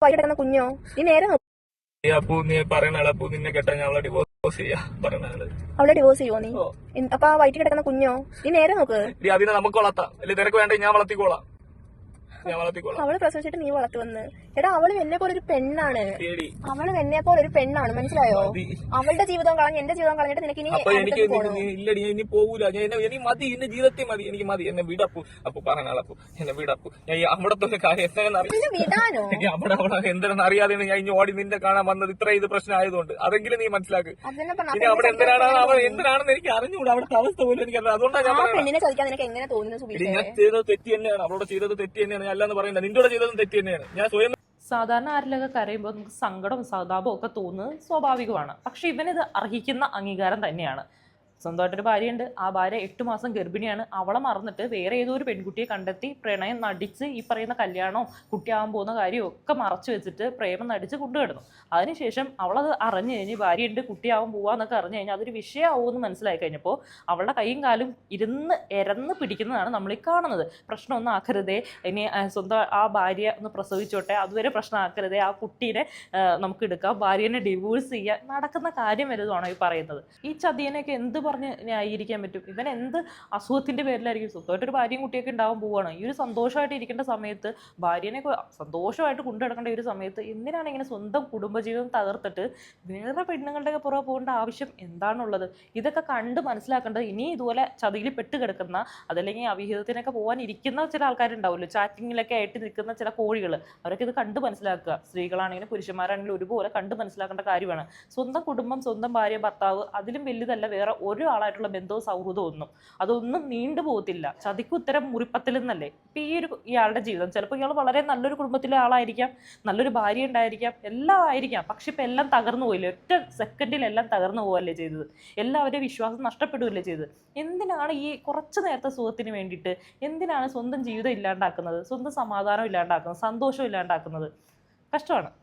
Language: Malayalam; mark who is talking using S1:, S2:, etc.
S1: കിടക്കുന്ന കുഞ്ഞോ നീ നേരെ നോക്ക്.
S2: അപ്പു നീ പറയണ അപ്പു നിന്നെ കേട്ടാ ഞാൻ അവളെ ഡിവോഴ്സ് ചെയ്യാ പറയണ
S1: അവളെ ഡിവോഴ്സ് ചെയ്യുമോ നീ? അപ്പൊ ആ വയറ്റിൽ കിടക്കുന്ന കുഞ്ഞോ നീ നേരെ നോക്ക്.
S2: അതിനെ നമുക്ക് വളർത്താം അല്ലെ? നിനക്ക് വേണ്ട ഞാൻ വളർത്തിക്കോളാം.
S1: അവള് പ്രസവിച്ചിട്ട് നീ വളർത്തു വന്ന്. എടാ അവള് എന്നെ പോലെ ഒരു പെണ്ണാണ്. അവള് എന്നെ പോലെ ഒരു പെണ്ണാണ്, മനസ്സിലായോ? അവളുടെ ജീവിതം കളഞ്ഞ് എന്റെ ജീവിതം കളഞ്ഞിട്ട് നിനക്ക്
S2: ഇല്ലടി ഇനി പോകൂല. എനിക്ക് മതി, എന്റെ ജീവിതത്തിൽ മതി, എനിക്ക് മതി. എന്നെ വിടപ്പു. അപ്പൊ പറഞ്ഞാളപ്പു എന്നെ വിടപ്പു. ഞാൻ അവിടത്തെ കാര്യം
S1: വിടാനോ?
S2: അവിടെ എന്താണെന്ന് അറിയാതെയാണ് ഞാൻ ഇനി ഓടി നിന്നെ കാണാൻ വന്നത്. ഇത്ര ഇത് പ്രശ്നം ആയതുകൊണ്ട് അതെങ്കിലും നീ മനസ്സിലാക്ക്. ഇനി അവിടെ എന്തിനാണെന്ന് എനിക്ക് അറിഞ്ഞുകൂടാ. അവിടുത്തെ അവസ്ഥ പോലും എനിക്ക് അറിയാം. അതുകൊണ്ടാണ് ഞാൻ ഞാൻ ചെയ്തത് തെറ്റി തന്നെയാണ്. അവളോട് ചെയ്തത് തെറ്റി തന്നെയാണ്. അല്ലാന്ന് പറയുന്നത് നിന്റെ ചെയ്തതും തെറ്റി തന്നെയാണ്. ഞാൻ സ്വയം
S3: സാധാരണ ആരിലൊക്കെ കരയുമ്പോൾ നമുക്ക് സങ്കടവും സഹതാപവും ഒക്കെ തോന്നുന്നത് സ്വാഭാവികമാണ്. പക്ഷെ ഇവനിത് അർഹിക്കുന്ന അംഗീകാരം തന്നെയാണ്. സ്വന്തമായിട്ടൊരു ഭാര്യയുണ്ട്. ആ ഭാര്യ 8 മാസം ഗർഭിണിയാണ്. അവളെ മറന്നിട്ട് വേറെ ഏതോ ഒരു പെൺകുട്ടിയെ കണ്ടെത്തി പ്രണയം നടിച്ച് ഈ പറയുന്ന കല്യാണവും കുട്ടിയാവാൻ പോകുന്ന കാര്യവും ഒക്കെ മറച്ചു വെച്ചിട്ട് പ്രേമം നടിച്ച് കൊണ്ടുകിടന്നു. അതിനുശേഷം അവളത് അറിഞ്ഞു കഴിഞ്ഞ് ഭാര്യയുണ്ട് കുട്ടിയാവാൻ പോവാന്നൊക്കെ അറിഞ്ഞു കഴിഞ്ഞാൽ അതൊരു വിഷയമാവുമെന്ന് മനസ്സിലായി കഴിഞ്ഞപ്പോൾ അവളുടെ കൈയും കാലും എരന്ന് പിടിക്കുന്നതാണ് നമ്മൾ ഈ കാണുന്നത്. പ്രശ്നമൊന്നും ആക്കരുതേ, ഇനി സ്വന്തം ആ ഭാര്യ ഒന്ന് പ്രസവിച്ചോട്ടെ, അതുവരെ പ്രശ്നമാക്കരുതേ, ആ കുട്ടീനെ നമുക്ക് എടുക്കാം, ഭാര്യനെ ഡിവോഴ്സ് ചെയ്യാൻ നടക്കുന്ന കാര്യം വലുതാണോ ഈ പറയുന്നത്? ഈ ചതിയനെയൊക്കെ എന്ത് പറഞ്ഞ് ന്യായീകരിക്കാൻ പറ്റും? ഇവൻ എന്ത് അസുഖത്തിന്റെ പേരിലായിരിക്കും? സ്വന്തമായിട്ടൊരു ഭാര്യയും കുട്ടിയൊക്കെ ഉണ്ടാവാൻ പോവുകയാണ്. ഈ ഒരു സന്തോഷമായിട്ട് ഇരിക്കേണ്ട സമയത്ത്, ഭാര്യനെ സന്തോഷമായിട്ട് കൊണ്ടു നടക്കേണ്ട ഒരു സമയത്ത് എന്തിനാണ് ഇങ്ങനെ സ്വന്തം കുടുംബജീവിതം തകർത്തിട്ട് വേറെ പെണ്ണുങ്ങളുടെയൊക്കെ പുറകെ പോകേണ്ട ആവശ്യം എന്താണുള്ളത്? ഇതൊക്കെ കണ്ട് മനസ്സിലാക്കേണ്ടത് ഇനി ഇതുപോലെ ചതിയിൽ പെട്ട് കിടക്കുന്ന, അതല്ലെങ്കിൽ അവിഹിതത്തിനൊക്കെ പോകാൻ ഇരിക്കുന്ന ചില ആൾക്കാരുണ്ടാവുമല്ലോ, ചാറ്റിങ്ങിലൊക്കെ ആയിട്ട് നിൽക്കുന്ന ചില കോഴികൾ, അവരൊക്കെ ഇത് കണ്ട് മനസ്സിലാക്കുക. സ്ത്രീകളാണെങ്കിലും പുരുഷന്മാരാണെങ്കിലും ഒരുപോലെ കണ്ട് മനസ്സിലാക്കേണ്ട കാര്യമാണ്. സ്വന്തം കുടുംബം, സ്വന്തം ഭാര്യ, ഭർത്താവ്, അതിലും വലുതല്ല വേറെ ഒരാളായിട്ടുള്ള ബന്ധവും സൗഹൃദവും ഒന്നും. അതൊന്നും നീണ്ടു പോകത്തില്ല. ചതിക്കുത്തരം മുറിപ്പത്തിൽ നിന്നല്ലേ ഇപ്പം ഇയാളുടെ ജീവിതം. ചിലപ്പോൾ ഇയാൾ വളരെ നല്ലൊരു കുടുംബത്തിലെ ആളായിരിക്കാം, നല്ലൊരു ഭാര്യ ഉണ്ടായിരിക്കാം, എല്ലാം ആയിരിക്കാം. പക്ഷെ ഇപ്പം എല്ലാം തകർന്നു പോയില്ലേ? ഒറ്റ സെക്കൻഡിൽ എല്ലാം തകർന്നു പോവല്ലേ ചെയ്തത്? എല്ലാവരുടെയും വിശ്വാസം നഷ്ടപ്പെടുകയല്ലേ ചെയ്തത്? എന്തിനാണ് ഈ കുറച്ച് നേരത്തെ സുഖത്തിന് വേണ്ടിയിട്ട് എന്തിനാണ് സ്വന്തം ജീവിതം ഇല്ലാണ്ടാക്കുന്നത്, സ്വന്തം സമാധാനം ഇല്ലാണ്ടാക്കുന്നത്, സന്തോഷം ഇല്ലാണ്ടാക്കുന്നത്? കഷ്ടമാണ്.